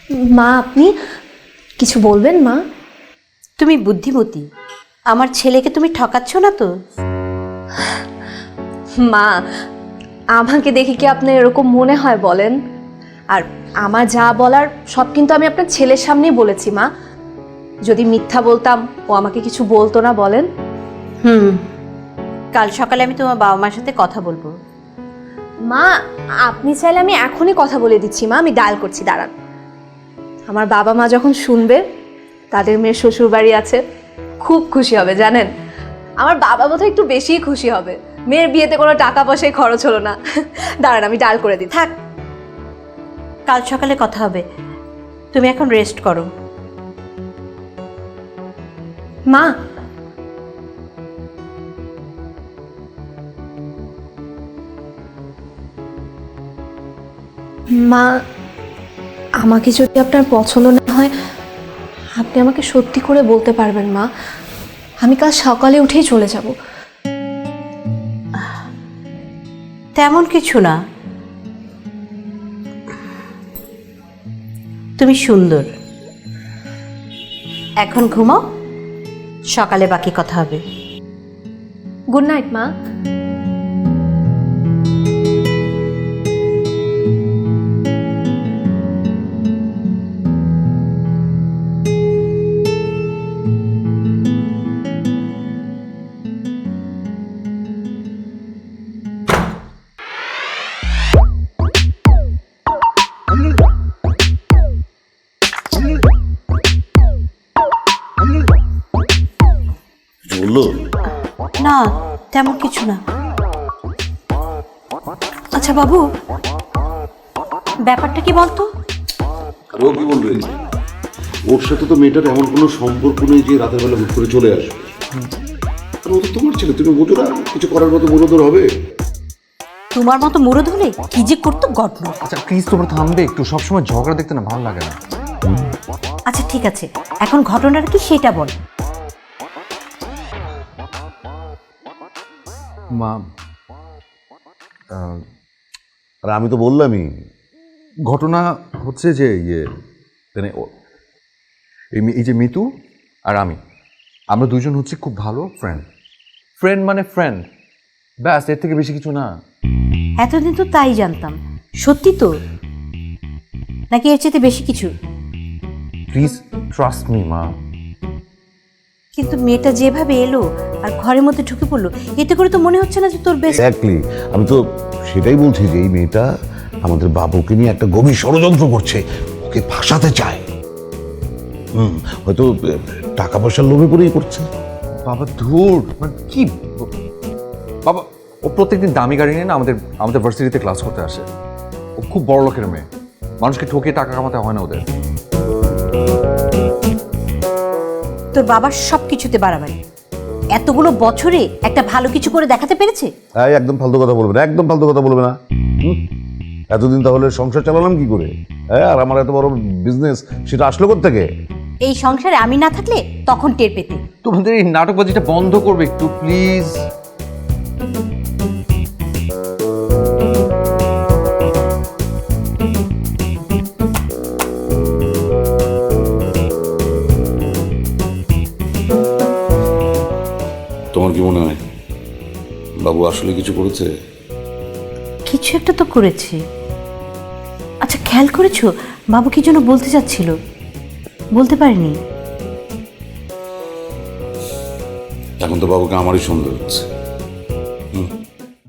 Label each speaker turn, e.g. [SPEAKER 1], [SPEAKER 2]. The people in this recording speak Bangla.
[SPEAKER 1] মা আপনি কিছু বলবেন মা?
[SPEAKER 2] তুমি বুদ্ধিমতী, আমার ছেলেকে তুমি ঠকাচ্ছ না তো?
[SPEAKER 1] মা আমাকে দেখে কি আপনার এরকম মনে হয় বলেন? আর আমার যা বলার সব কিন্তু আমি আপনার ছেলের সামনেই বলেছি মা। যদি মিথ্যা বলতাম ও আমাকে কিছু বলতো না বলেন?
[SPEAKER 2] কাল সকালে আমি তোমার বাবা মার সাথে কথা বলবো।
[SPEAKER 1] মা আপনি চাইলে আমি এখনই কথা বলে দিচ্ছি মা, আমি ডায়াল করছি, দাঁড়ান। আমার বাবা মা যখন শুনবে তাদের মেয়ের শ্বশুর বাড়ি আছে, খুব খুশি হবে জানেন। আমার বাবা বোধহয় একটু বেশিই খুশি হবে, মেয়ের বিয়েতে কোনো টাকা পয়সায় খরচ হলো না। দাঁড়ান আমি ডায়াল করে দিই।
[SPEAKER 2] থাক, কাল সকালে কথা হবে, তুমি এখন রেস্ট করো।
[SPEAKER 1] মা মা আমাকে যদি আপনার পছন্দ না হয় আপনি আমাকে সত্যি করে বলতে পারবেন মা, আমি কাল সকালে উঠেই চলে যাব।
[SPEAKER 2] তেমন কিছু না, তুমি সুন্দর। এখন ঘুমাও, সকালে বাকি কথা হবে।
[SPEAKER 1] গুড নাইট মা।
[SPEAKER 3] বললো
[SPEAKER 2] না, তেমন কিছু না। আচ্ছা বাবু, ব্যাপারটা কি বলতো?
[SPEAKER 3] আর ও কি বলবে? ওর সাথে তো মেয়েটার এমন কোনো সম্পর্ক নেই যে রাতের বেলা হুট করে চলে আসবে। আর ও তো তোমার ছেলে, তুমি বোঝো না কিছু করার মতো মনোদর হবে?
[SPEAKER 2] তোমার মতো মুরদ হলে কি যে করতো গড knows।
[SPEAKER 4] আচ্ছা প্লিজ তোমরা থামবে একটু, সবসময় ঝগড়া দেখতে না ভালো লাগে না।
[SPEAKER 2] আচ্ছা ঠিক আছে, এখন ঘটনাটা কি সেটা বল।
[SPEAKER 4] মা
[SPEAKER 3] আর আমি তো বললামই।
[SPEAKER 4] ঘটনা হচ্ছে যে মানে এই যে মিতু আর আমরা দুজন হচ্ছে খুব ভালো ফ্রেন্ড মানে ফ্রেন্ড, ব্যাস, এর থেকে বেশি কিছু না।
[SPEAKER 2] এতদিন তো তাই জানতাম, সত্যি তো নাকি এর চেয়ে বেশি কিছু?
[SPEAKER 4] প্লিজ ট্রাস্ট মি মা।
[SPEAKER 2] কিন্তু মেয়েটা যেভাবে এলো আর ঘরের মধ্যে ঢুকে পড়লো, এতে করে তো মনে হচ্ছে না যে তোর বেশ।
[SPEAKER 3] এক্স্যাক্টলি, আমি তো সেটাই বলছি যে এই মেয়েটা আমাদের বাবুকে নিয়ে একটা গভীর ষড়যন্ত্র করছে, ওকে ফাঁসাতে চায়। হয়তো টাকা পয়সার লোভে পড়েই করছে।
[SPEAKER 4] বাবা ধুর, মানে কি বাবা, ও প্রত্যেকদিন দামি গাড়ি নিয়ে না আমাদের ভার্সিটিতে ক্লাস করতে আসে। ও খুব বড় লোকের মেয়ে, মানুষকে ঠকিয়ে টাকা কামাতে হয় না ওদের।
[SPEAKER 2] তোর বাবার সব কিছুতে বাড়াবাড়ি, এতগুলো বছরে একটা ভালো কিছু করে দেখাতে পেরেছে?
[SPEAKER 3] হ্যাঁ, একদম ফালতু কথা বলবে না, একদম ফালতু কথা বলবে না। এতদিন তাহলে সংসার চালালাম কি করে? হ্যাঁ, আর আমার এত বড় বিজনেস সেটা আসলো কোত্থেকে?
[SPEAKER 2] এই সংসারে আমি না থাকলে তখন টের পেতে।
[SPEAKER 4] তোমাদের এই নাটকবাজিটা বন্ধ করবে একটু প্লিজ।
[SPEAKER 3] তোমার কি মনে হয় বাবু আসলে কিছু করেছে?
[SPEAKER 2] কিছু একটা তো করেছে। আচ্ছা খেয়াল করেছো বাবু কি যেন বলতে চাচ্ছিল, বলতে পারিনি।
[SPEAKER 3] এখন তো বাবুকে আমারই সন্দেহ হচ্ছে।